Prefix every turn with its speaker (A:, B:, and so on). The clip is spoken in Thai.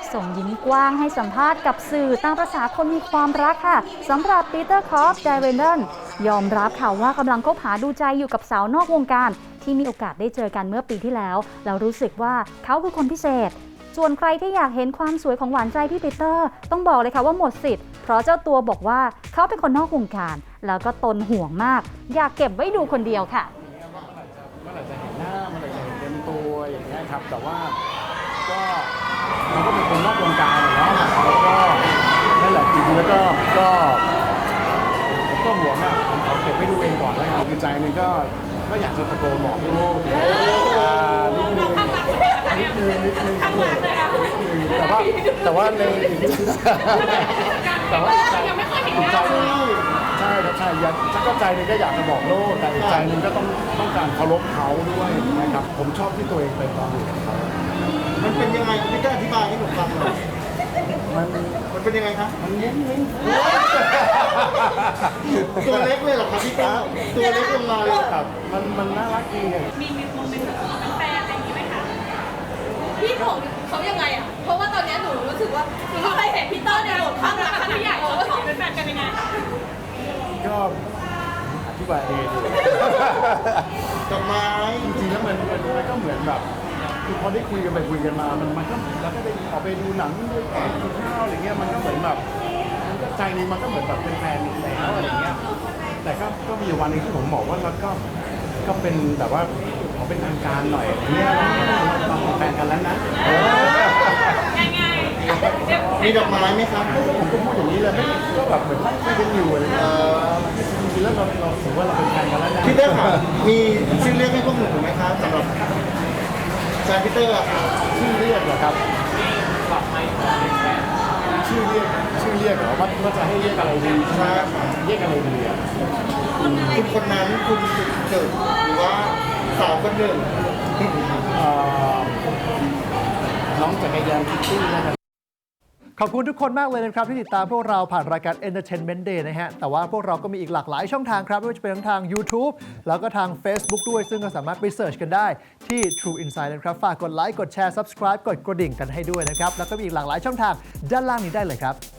A: ส่งยิ้มกว้างให้สัมภาษณ์กับสื่อตามประษาคนมีความรักค่ะสำหรับปีเตอร์คอฟไดเรนเดนยอมรับค่ะว่ากำลังคบหาดูใจอยู่กับสาวนอกวงการที่มีโอกาสได้เจอกันเมื่อปีที่แล้วแล้วรู้สึกว่าเขาคือคนพิเศษส่วนใครที่อยากเห็นความสวยของหวานใจพี่ปีเตอร์ต้องบอกเลยค่ะว่าหมดสิทธิ์เพราะเจ้าตัวบอกว่าเขาเป็นคนนอกวงการแล้วก็ตนห่วงมากอยากเก็บไว้ดูคนเดียวค่ะ
B: เมื่อไหร่จะเห็นหน้าเมื่อไหร่จะเห็นเต็มตัวอย่างเงี้ยครับแต่ว่าก็มันก็เป็นคนนอกวงการเนาะแล้วก็นั่นแหละจริงๆแล้วก็ห่วงอ่ะผมขอเก็บไว้ดูเองก่อนแล้วกันคือใจนึงก็อยากจะตะโกนบอกลูกนิดนึงแต่ว่าในแต่ว่าใจใช่ครับใช่ฉันก็ใจนึงก็อยากจะบอกโลกแต่ใจนึงก็ต้องการเคารพเขาด้วยนะครับผมชอบที่ตัวเองเป็นตอนอยู่กับเขา
C: มันเป็นยังไงพี่ก็อธิบายให้ผมฟังหน่อยมันเป็นยังไงครับ
B: มันยิ้ม
C: ตัวเล็กเลยเหรอครับพี่ก้าตัวเล็กลงมาเลย
B: ครับมันน่ารักดี
D: มีโมเมนต์เป็นแฟนอะไรอย่างนี้ไหมคะพี่ของเขายังไงอ่ะเพราะว่าตอนนี้หนูรู้สึกว่าหนูไม่เคยเห็นพี่เตอร์ในบทข้างรักขนาดใหญ่ว่าของเป็นแฟนกันยังไง
B: ก็อธิบายเอง
C: ดอกไม้
B: จริงๆแล้วมันก็เหมือนแบบคือพอได้คุยกันไปคุยกันมามันก็แล้วก็ได้ออกไปดูหนังด้วยกันกินข้าวอะไรเงี้ยมันก็เหมือนแบบใจนึงมันก็เหมือนแบบเป็นแฟนแล้วอะไรเงี้ยแต่ก็มีวันนึงที่ผมบอกว่าแล้วก็เป็นแบบว่าขอเป็นทางการหน่อยเนี่ยเราเป็นแฟนกันแล้วนะ
D: ง่ายๆ
C: มีดอกไม้ไหมครับ
B: ผมก็พูดอย่างนี้เลยไม่ก็แบบเหมือนนั่งคุยกันอยู่อะไรเงี้ยจริงๆแล้วเราถือว่าเราเป็นแฟนกันแล้วนะ
C: พี่เตอร์ค่ะมีชื่อเรียกให้พวกหนูไหมครับสำหรับแฟนพี่เตอร์
B: ชื่อเรียกเหรอครับชื่อเรียกเหรอว่าจะให้เรียกอะไรดีใช่เรียกอะไรดีอ่ะ
C: คุณคนนั้นคุณจุดเกิดหรือว่าสาวคนหนึ่ง
B: น้องจักรยานคิตตี้นะครับ
E: ขอบคุณทุกคนมากเลยนะครับที่ติดตามพวกเราผ่านรายการ Entertainment Day นะฮะแต่ว่าพวกเราก็มีอีกหลากหลายช่องทางครับไม่ว่าจะเป็นทั้งทาง YouTube แล้วก็ทาง Facebook ด้วยซึ่งก็สามารถไปเสิร์ชกันได้ที่ True Insight นะครับฝากกดไลค์กดแชร์ Subscribe กดกระดิ่งกันให้ด้วยนะครับแล้วก็มีอีกหลากหลายช่องทางด้านล่างนี้ได้เลยครับ